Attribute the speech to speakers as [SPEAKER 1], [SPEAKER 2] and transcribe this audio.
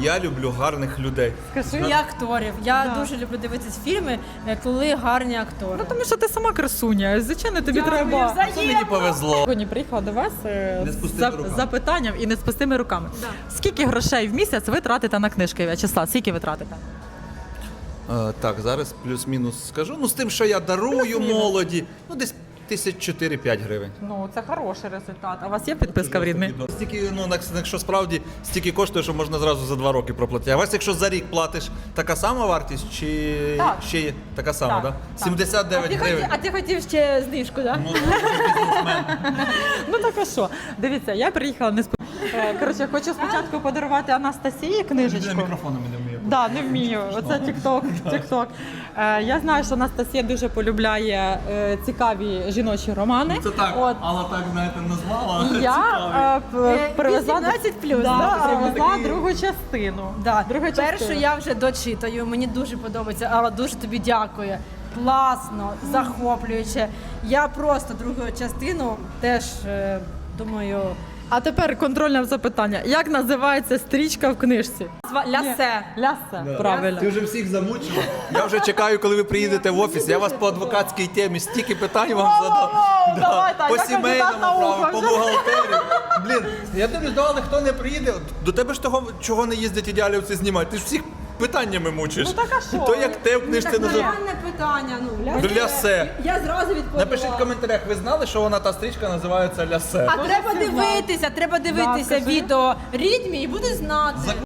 [SPEAKER 1] я люблю гарних людей.
[SPEAKER 2] І акторів. Я дуже люблю дивитися фільми, коли гарні актори.
[SPEAKER 3] Ну тому що ти сама красуня, звичайно, тобі треба.
[SPEAKER 1] Це мені повезло.
[SPEAKER 3] Сьогодні приїхала до вас з запитанням і не з пустими руками. Скільки грошей в місяць ви тратите на книжки, В'ячеслав? Скільки ви тратите?
[SPEAKER 1] Так, зараз плюс-мінус скажу. Ну, з тим, що я дарую молоді, ну десь 1004-5 гривень.
[SPEAKER 3] Ну, це хороший результат. А у вас є підписка в Рідмі?
[SPEAKER 1] Стільки, ну, якщо справді стільки коштує, що можна зразу за 2 роки проплатити. А у вас, якщо за рік платиш, така сама вартість чи
[SPEAKER 3] Так.
[SPEAKER 1] ще є така сама,
[SPEAKER 3] Так,
[SPEAKER 1] да? 79 гривень.
[SPEAKER 2] А ти хотів ще знижку, так?
[SPEAKER 1] Ну, бізнесмен.
[SPEAKER 3] Ну так а що? Дивіться, я приїхала не з... Коротше, хочу спочатку подарувати Анастасії книжечку.
[SPEAKER 1] Мікрофоном не вмію.
[SPEAKER 3] Да, не вмію. Оце тік-ток. Я знаю, що Анастасія дуже полюбляє цікаві жіночі романи.
[SPEAKER 1] Це так,
[SPEAKER 3] От.
[SPEAKER 1] Алла так, знаєте, назвала.
[SPEAKER 3] І я привезла,
[SPEAKER 2] 18+,
[SPEAKER 3] привезла другу частину. Друга
[SPEAKER 2] Першу
[SPEAKER 3] частина.
[SPEAKER 2] я вже дочитаю, мені дуже подобається, Алла дуже тобі дякую. Класно, захоплююче. Я просто другу частину теж думаю.
[SPEAKER 3] А тепер контрольне запитання. Як називається стрічка в книжці?
[SPEAKER 2] Лясе.
[SPEAKER 3] Лясе, правильно.
[SPEAKER 1] Ти вже всіх замучила. Я вже чекаю, коли ви приїдете в офіс. Я вас по адвокатській темі стільки питань вам задав.
[SPEAKER 3] давай, так,
[SPEAKER 1] По
[SPEAKER 3] я
[SPEAKER 1] сімейному
[SPEAKER 3] кандидат наук
[SPEAKER 1] праву, по
[SPEAKER 3] вже.
[SPEAKER 1] бухгалтерії. Блін, я дивлюсь, але хто не приїде, до тебе ж того, чого не їздять ідеалівці знімати. Ти ж всіх питаннями мучиш.
[SPEAKER 3] Ну, так а що?
[SPEAKER 1] То як те в книжці називається.
[SPEAKER 2] Реальне питання. Ну,
[SPEAKER 1] Лясе.
[SPEAKER 2] Я зразу відповіла.
[SPEAKER 1] Напишіть в коментарях, ви знали, що вона та стрічка називається Лясе?
[SPEAKER 2] А треба дивитися
[SPEAKER 3] Да, скажи.
[SPEAKER 2] відео Рідмі і буде знати.